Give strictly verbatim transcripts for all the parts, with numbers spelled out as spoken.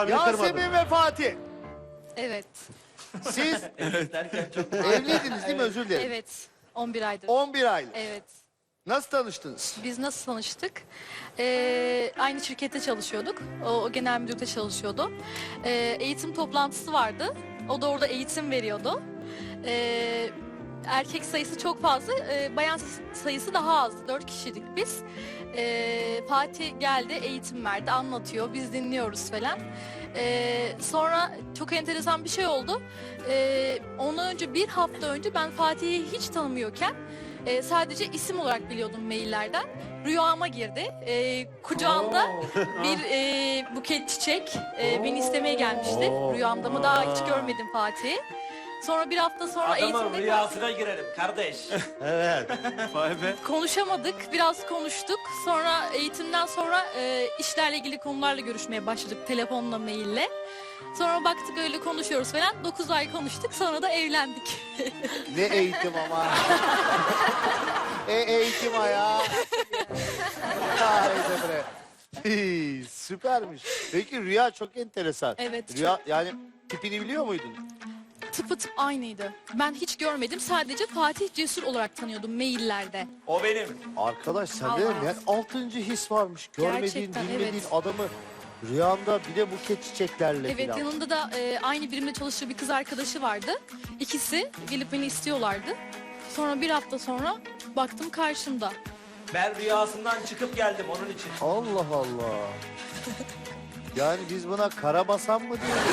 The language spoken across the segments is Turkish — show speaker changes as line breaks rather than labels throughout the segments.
Yasemin ve Fatih.
Evet.
Siz
Evet derken çok...
evliydiniz değil mi? Özür dilerim.
Evet. on bir aydır.
on bir aylık.
Evet.
Nasıl tanıştınız?
Biz nasıl tanıştık? Ee, aynı şirkette çalışıyorduk. O, o genel müdürde çalışıyordu. Ee, eğitim toplantısı vardı. O da orada eğitim veriyordu. Ee, erkek sayısı çok fazla, ee, bayan sayısı daha az. Dört kişiydik biz. Ee, Fatih geldi, eğitim verdi, anlatıyor. Biz dinliyoruz falan. Ee, sonra çok enteresan bir şey oldu. Ee, ondan önce bir hafta önce ben Fatih'i hiç tanımıyorken e, sadece isim olarak biliyordum maillerden. Rüyama girdi. Ee, kucağında bir e, buket çiçek e, beni istemeye gelmişti. Rüyamda mı daha hiç görmedim Fatih'i. Sonra bir hafta sonra
Adamın
eğitimde
rüyasına girelim kardeş.
Evet.
Vay be.
konuşamadık, biraz konuştuk. Sonra eğitimden sonra e, işlerle ilgili konularla görüşmeye başladık telefonla, maille. Sonra baktık öyle konuşuyoruz falan. dokuz ay konuştuk, sonra da evlendik.
Ne eğitim ama. e eğitim ayağı. Haydi bre. Hii, süpermiş. Peki rüya çok enteresan.
Evet,
Rüya yani tipini biliyor muydun?
Tıpatıp aynıydı. Ben hiç görmedim, sadece Fatih Cesur olarak tanıyordum maillerde.
O benim.
Arkadaş sen
Allah.
de yani altıncı his varmış. Görmediğin,
Gerçekten,
bilmediğin
evet.
adamı rüyanda bir de buket çiçeklerle
Evet,
falan.
yanında da e, aynı birimde çalıştığı bir kız arkadaşı vardı. İkisi gelip beni istiyorlardı. Sonra bir hafta sonra baktım karşımda.
Ben rüyasından çıkıp geldim onun için.
Allah Allah. Yani biz buna karabasan mı diyoruz?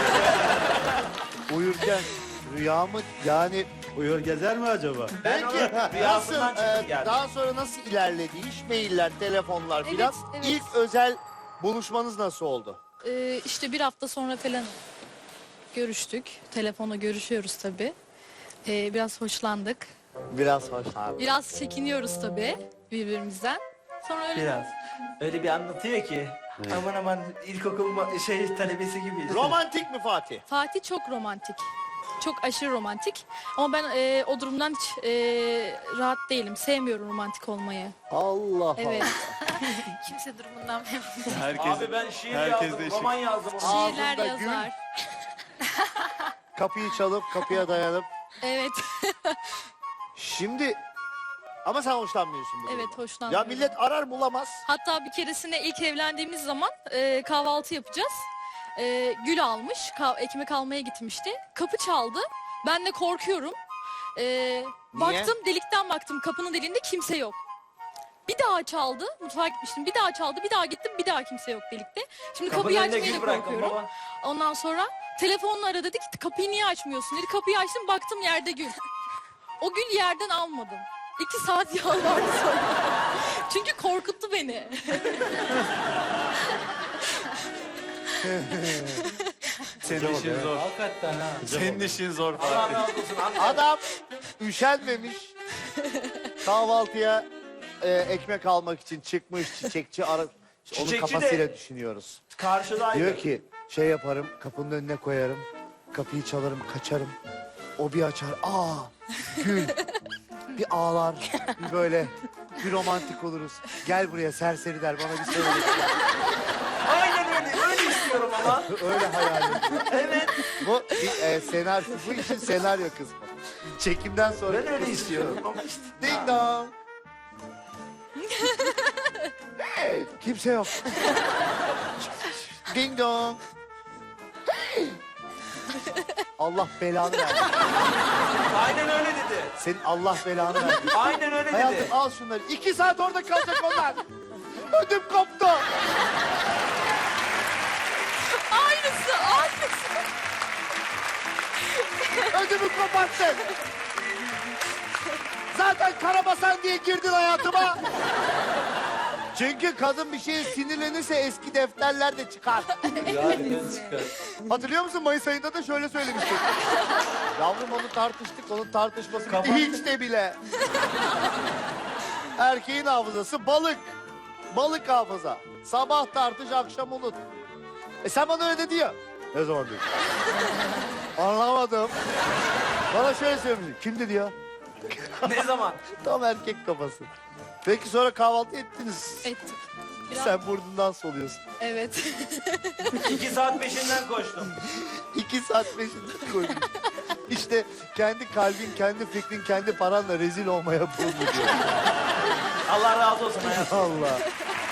Uyurken rüya mı yani
Uyur gezer mi acaba?
Ben
peki
onun
nasıl
rüyasından
e,
çıkıp geldim.
daha sonra nasıl ilerledi iş mailler telefonlar
Evet,
filan
evet.
ilk özel buluşmanız nasıl oldu?
Ee, işte bir hafta sonra falan görüştük. Telefonla görüşüyoruz tabii. Ee, biraz hoşlandık.
Biraz hoş abi.
Biraz çekiniyoruz tabii birbirimizden. Sonra öyle
Biraz. Öyle bir anlatıyor ki. Aman aman ilkokul ma- şey talebesi gibiyiz.
Romantik mi Fatih?
Fatih çok romantik. Çok aşırı romantik. Ama ben e, o durumdan hiç e, rahat değilim. Sevmiyorum romantik olmayı.
Allah
Evet.
Allah.
Kimse durumundan memnun.
Herkes,
Abi ben şiir
herkes
yazdım,
değişik.
roman yazdım. Onu.
Şiirler
Ağzında gül.
yazar.
Kapıyı çalıp kapıya dayanıp.
Evet.
Şimdi ama sen hoşlanmıyorsun bu
Evet,
durumdan.
hoşlanmıyorum.
Ya millet arar bulamaz.
Hatta bir keresinde ilk evlendiğimiz zaman e, kahvaltı yapacağız. E, gül almış, ka- ekmek almaya gitmişti. Kapı çaldı. Ben de korkuyorum. E, baktım, delikten baktım. Kapının deliğinde kimse yok. Bir daha çaldı. Mutfağa gitmiştim. Bir daha çaldı. Bir daha gittim. Bir daha kimse yok delikte. Şimdi
Kapının
kapıyı
önüne
açmaya da
gül bıraktım
korkuyorum.
baba.
Ondan sonra telefonla aradı, dedi ki kapıyı niye açmıyorsun dedi. Kapıyı açtım, baktım yerde gül. O gül yerden almadım. İki saat yalvardı sonra. Çünkü korkuttu beni.
Senin işin zor.
Hakikaten ha.
Senin işin zor
Allah
Fatih.
razı olsun. anne.
Adam üşenmemiş. Kahvaltıya e, ekmek almak için çıkmış çiçekçi ara. Onun
Çiçekçi
kafasıyla
de-
düşünüyoruz.
Karşıdaydı.
Diyor ki şey yaparım kapının önüne koyarım. Kapıyı çalarım kaçarım. O bir açar. Aa gül. Bir ağlar. Bir böyle bir romantik oluruz. Gel buraya serseri der bana bir söyle.
Aynen öyle. Öyle istiyorum ama.
Öyle hayal ediyor.
Evet.
Bu bir e, senaryo. Bu işin senaryo kısmı. Çekimden sonra.
Ben öyle istiyorum. Ama işte.
Ding dong. Kimse yok. Ding dong. Allah belanı versin.
Aynen öyle dedi.
Senin Allah belanı versin.
Aynen öyle dedi.
Hayatım al şunları. İki saat orada kalacak onlar. Ödüm koptu.
Aynısı, aynısı.
Ödümü koparttın. Zaten karabasan diye girdin hayatıma. Çünkü kadın bir şeye sinirlenirse eski defterler çıkar. Hatırlıyor musun? Mayıs ayında da şöyle söylemiştik. Yavrum onu tartıştık, onun tartışması bitti.
Kapat.
Hiç de bile. Erkeğin hafızası balık. Balık hafıza. Sabah tartış, akşam unut. E sen bana öyle dedi ya. Ne zaman diyor? Anlamadım. Bana şöyle söylemiş. Kim dedi ya?
Ne zaman?
Tam erkek kafası. Peki sonra kahvaltı ettiniz.
Ettik. Biraz-
Sen burnundan soluyorsun.
Evet.
İki saat peşinden koştum.
İki saat peşinden koydum. İşte kendi kalbin, kendi fikrin, kendi paranla rezil olmaya buldu diyor.
Allah razı olsun hayatım.
Allah.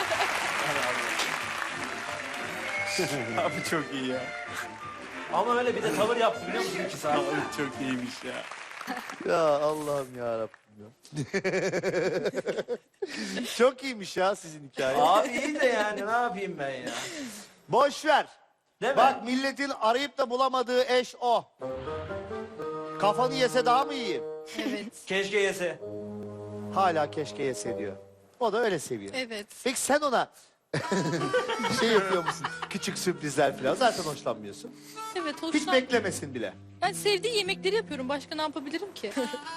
Abi çok iyi ya.
Ama öyle bir de tavır yaptı biliyor musun iki saat?
Abi çok iyiymiş ya.
Ya Allah'ım ya Rabbim ya. Çok iyiymiş ya sizin hikaye.
Abi iyi de yani ne yapayım ben ya?
Boş ver.
Değil mi?
Bak milletin arayıp da bulamadığı eş o. Kafanı yese daha mı iyi?
Evet.
Keşke yese.
Hala keşke yese diyor. O da öyle seviyor.
Evet.
Peki sen ona şey yapıyor musun? Küçük sürprizler falan. Zaten hoşlanmıyorsun.
Evet,
Hiç
hoşlan.
beklemesin bile.
Ben sevdiği yemekleri yapıyorum. Başka ne yapabilirim ki?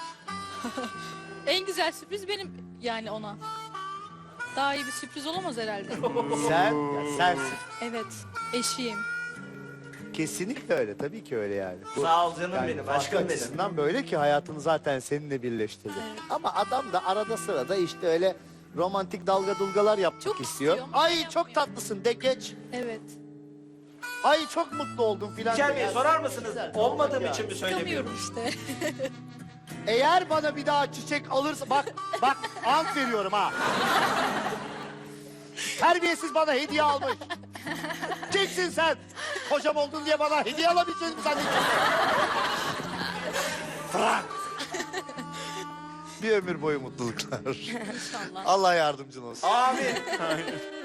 En güzel sürpriz benim yani ona. Daha iyi bir sürpriz olamaz herhalde.
Sen, ya sensin.
Evet. Eşiyim.
Kesinlikle öyle. Tabii ki öyle yani. Bu-
Sağ ol canım
yani
benim,
aşk
aşkım benim.
açısından böyle ki hayatını zaten seninle birleştirdi.
Evet.
Ama adam da arada sırada işte öyle romantik dalga dulgalar yapmak
Çok
istiyor.
istiyor ama
Ay
yapmıyor.
çok tatlısın de geç.
Evet.
Ay çok mutlu oldum filan.
İlker
de.
Bey
Ya
sorar
sen
mısınız?
güzel,
Olmadığım
ya.
için mi söylemiyorum?
Çıkamıyorum işte.
Eğer bana bir daha çiçek alırsa bak bak ant veriyorum ha. Terbiyesiz bana hediye almış. Kimsin sen? Kocam oldun diye bana hediye alabileceğini mi zannediyorsun? Bırak. Bir ömür boyu mutluluklar.
İnşallah.
Allah yardımcın olsun.
Abi